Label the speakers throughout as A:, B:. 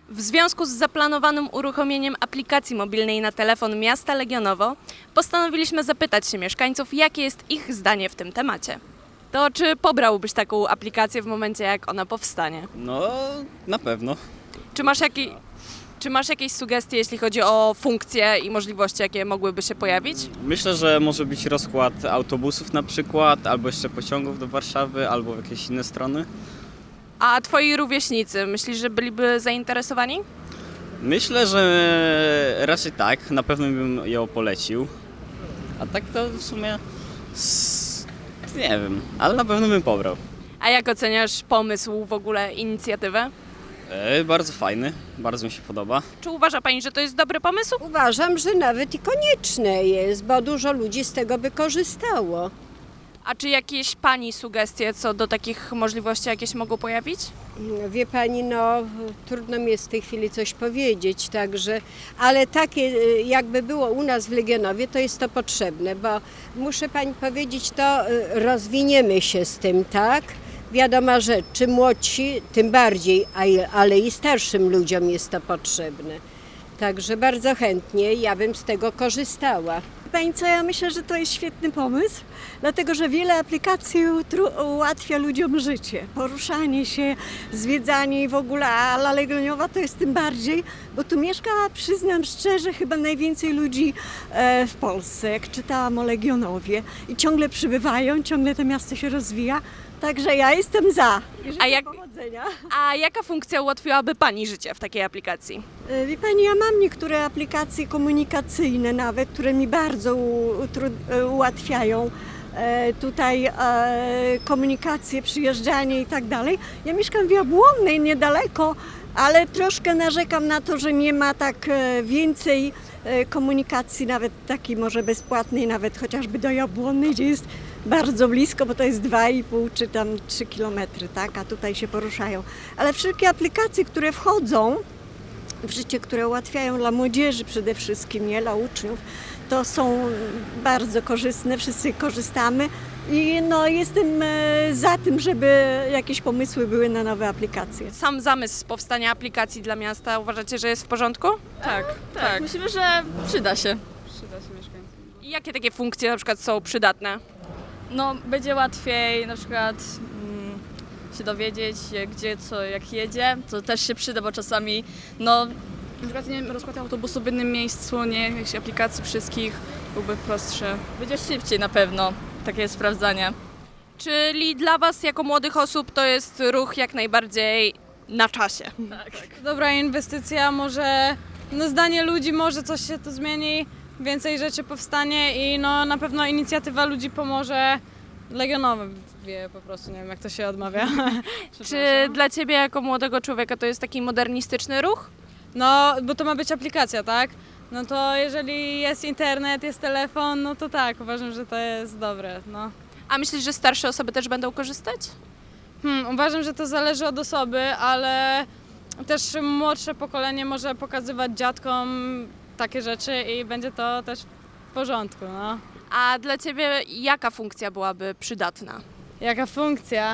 A: W związku z zaplanowanym uruchomieniem aplikacji mobilnej na telefon miasta Legionowo postanowiliśmy zapytać się mieszkańców, jakie jest ich zdanie w tym temacie. To czy pobrałbyś taką aplikację w momencie, jak ona powstanie?
B: No, na pewno.
A: Czy masz jakieś sugestie, jeśli chodzi o funkcje i możliwości, jakie mogłyby się pojawić?
B: Myślę, że może być rozkład autobusów na przykład, albo jeszcze pociągów do Warszawy, albo w jakieś inne strony.
A: A twoi rówieśnicy, myślisz, że byliby zainteresowani?
B: Myślę, że raczej tak, na pewno bym ją polecił. A tak to w sumie nie wiem, ale na pewno bym pobrał.
A: A jak oceniasz pomysł, w ogóle inicjatywę?
B: Bardzo fajny, bardzo mi się podoba.
A: Czy uważa Pani, że to jest dobry pomysł?
C: Uważam, że nawet i konieczne jest, bo dużo ludzi z tego by korzystało.
A: A czy jakieś Pani sugestie co do takich możliwości jakieś mogą pojawić?
C: Wie pani, no trudno mi jest w tej chwili coś powiedzieć, także, ale takie jakby było u nas w Legionowie, to jest to potrzebne, bo muszę pani powiedzieć, to rozwiniemy się z tym, tak? Wiadoma rzecz, czy młodsi, tym bardziej, ale i starszym ludziom jest to potrzebne. Także bardzo chętnie ja bym z tego korzystała.
D: Pani co, ja myślę, że to jest świetny pomysł, dlatego że wiele aplikacji ułatwia ludziom życie, poruszanie się, zwiedzanie i w ogóle, a La Legioniowa to jest tym bardziej, bo tu mieszka, przyznam szczerze, chyba najwięcej ludzi w Polsce, jak czytałam o Legionowie i ciągle przybywają, ciągle to miasto się rozwija, także ja jestem za. Powodzenia.
A: A jaka funkcja ułatwiłaby Pani życie w takiej aplikacji?
D: Wie pani, ja mam niektóre aplikacje komunikacyjne nawet, które mi bardzo ułatwiają tutaj komunikację, przyjeżdżanie i tak dalej. Ja mieszkam w Jabłonnej niedaleko, ale troszkę narzekam na to, że nie ma tak więcej komunikacji, nawet takiej może bezpłatnej, nawet chociażby do Jabłonnej, gdzie jest bardzo blisko, bo to jest 2,5 czy tam 3 kilometry, tak? A tutaj się poruszają. Ale wszelkie aplikacje, które wchodzą w życie, które ułatwiają dla młodzieży przede wszystkim, nie dla uczniów, to są bardzo korzystne, wszyscy korzystamy i no, jestem za tym, żeby jakieś pomysły były na nowe aplikacje.
A: Sam zamysł powstania aplikacji dla miasta uważacie, że jest w porządku?
E: Tak. Myślimy, że przyda się.
A: I jakie takie funkcje na przykład są przydatne?
E: No, będzie łatwiej na przykład się dowiedzieć, gdzie, co, jak jedzie. To też się przyda, bo czasami, no, na przykład nie wiem, rozkład autobusu w jednym miejscu, nie jakichś aplikacji wszystkich, byłby prostszy. Będzie szybciej na pewno, takie sprawdzanie.
A: Czyli dla Was jako młodych osób to jest ruch jak najbardziej na czasie.
F: Dobra inwestycja, może zdanie ludzi, może coś się tu zmieni, więcej rzeczy powstanie i no na pewno inicjatywa ludzi pomoże Legionowie, po prostu nie wiem jak to się odmawia.
A: Czy dla Ciebie jako młodego człowieka to jest taki modernistyczny ruch?
F: No, bo to ma być aplikacja, tak? No to jeżeli jest internet, jest telefon, no to tak, uważam, że to jest dobre, no.
A: A myślisz, że starsze osoby też będą korzystać?
F: Uważam, że to zależy od osoby, ale też młodsze pokolenie może pokazywać dziadkom takie rzeczy i będzie to też w porządku, no.
A: A dla Ciebie jaka funkcja byłaby przydatna?
F: Jaka funkcja?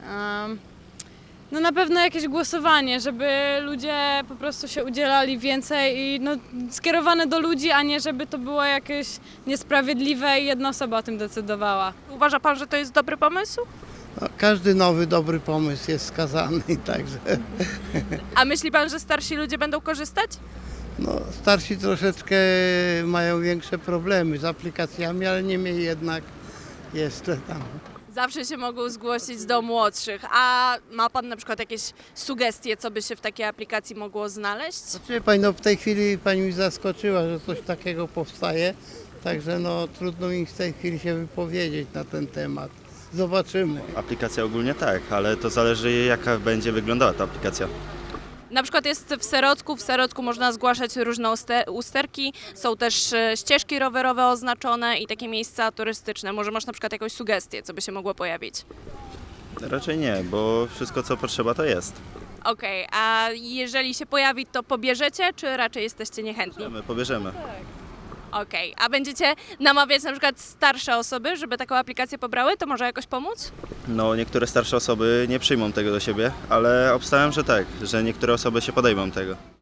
F: No na pewno jakieś głosowanie, żeby ludzie po prostu się udzielali więcej i no, skierowane do ludzi, a nie żeby to było jakieś niesprawiedliwe i jedna osoba o tym decydowała.
A: Uważa Pan, że to jest dobry pomysł?
G: No, każdy nowy, dobry pomysł jest skazany, także
A: A myśli Pan, że starsi ludzie będą korzystać?
G: no, starsi troszeczkę mają większe problemy z aplikacjami, ale niemniej jednak jest tam.
A: Zawsze się mogą zgłosić do młodszych. A ma Pan na przykład jakieś sugestie, co by się w takiej aplikacji mogło znaleźć?
G: Wie pani, no w tej chwili pani mi zaskoczyła, że coś takiego powstaje, także no trudno mi w tej chwili się wypowiedzieć na ten temat. Zobaczymy.
H: Aplikacja ogólnie tak, ale to zależy jaka będzie wyglądała ta aplikacja.
A: Na przykład jest w Serocku można zgłaszać różne usterki, są też ścieżki rowerowe oznaczone i takie miejsca turystyczne. Może masz na przykład jakąś sugestię, co by się mogło pojawić?
H: Raczej nie, bo wszystko co potrzeba to jest.
A: Okej, a jeżeli się pojawi, to pobierzecie, czy raczej jesteście niechętni?
H: Pobierzemy.
A: Okej, a będziecie namawiać na przykład starsze osoby, żeby taką aplikację pobrały? To może jakoś pomóc?
H: No niektóre starsze osoby nie przyjmą tego do siebie, ale obstawiam, że tak, że niektóre osoby się podejmą tego.